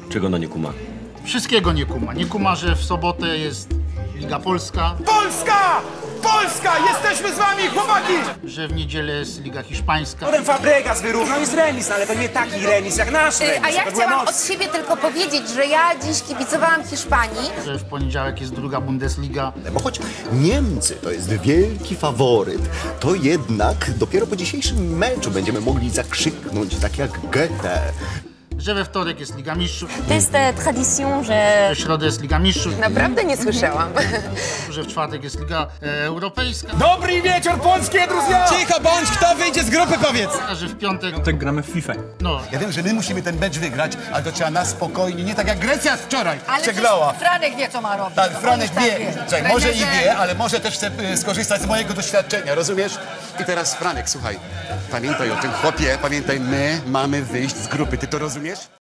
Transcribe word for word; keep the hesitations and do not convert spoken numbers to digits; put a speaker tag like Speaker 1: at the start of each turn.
Speaker 1: Czego ona nie kuma?
Speaker 2: Wszystkiego nie kuma. Nie kuma, że w sobotę jest Liga Polska.
Speaker 3: Polska! Polska! Jesteśmy z wami, chłopaki!
Speaker 2: Że w niedzielę jest Liga Hiszpańska.
Speaker 3: Potem Fabregas wyrównał, jest remis, no ale to nie taki remis jak nasz remis.
Speaker 4: A ja
Speaker 3: to była
Speaker 4: chciałam
Speaker 3: noc.
Speaker 4: od siebie tylko powiedzieć, że ja dziś kibicowałam Hiszpanii.
Speaker 2: Że w poniedziałek jest druga Bundesliga.
Speaker 5: Bo choć Niemcy to jest wielki faworyt, to jednak dopiero po dzisiejszym meczu będziemy mogli zakrzyknąć tak jak Goethe.
Speaker 2: Że we wtorek jest Liga Mistrzów.
Speaker 6: To jest e, tradycją, że...
Speaker 2: W środę jest Liga Mistrzów.
Speaker 4: Naprawdę nie słyszałam.
Speaker 2: Że w czwartek jest Liga e, Europejska.
Speaker 3: Dobry wieczór, polskie drużyna!
Speaker 7: Cicho bądź, kto wyjdzie z grupy, powiedz!
Speaker 2: A że w piątek...
Speaker 7: Tak gramy w FIFA.
Speaker 2: No,
Speaker 8: Ja wiem, że my musimy ten mecz wygrać, ale to trzeba na spokojnie, nie tak jak Grecja wczoraj
Speaker 9: Ale
Speaker 8: przegrała.
Speaker 9: przecież Franek wie, co ma robić.
Speaker 8: Tak,
Speaker 9: No,
Speaker 8: Franek
Speaker 9: on już
Speaker 8: wie,
Speaker 9: tak
Speaker 8: Czekaj, może i
Speaker 9: Trenerze-
Speaker 8: wie, ale może też chce y, skorzystać z mojego doświadczenia, rozumiesz? I teraz Franek, słuchaj, pamiętaj o tym chłopie, pamiętaj, my mamy wyjść z grupy, ty to rozumiesz?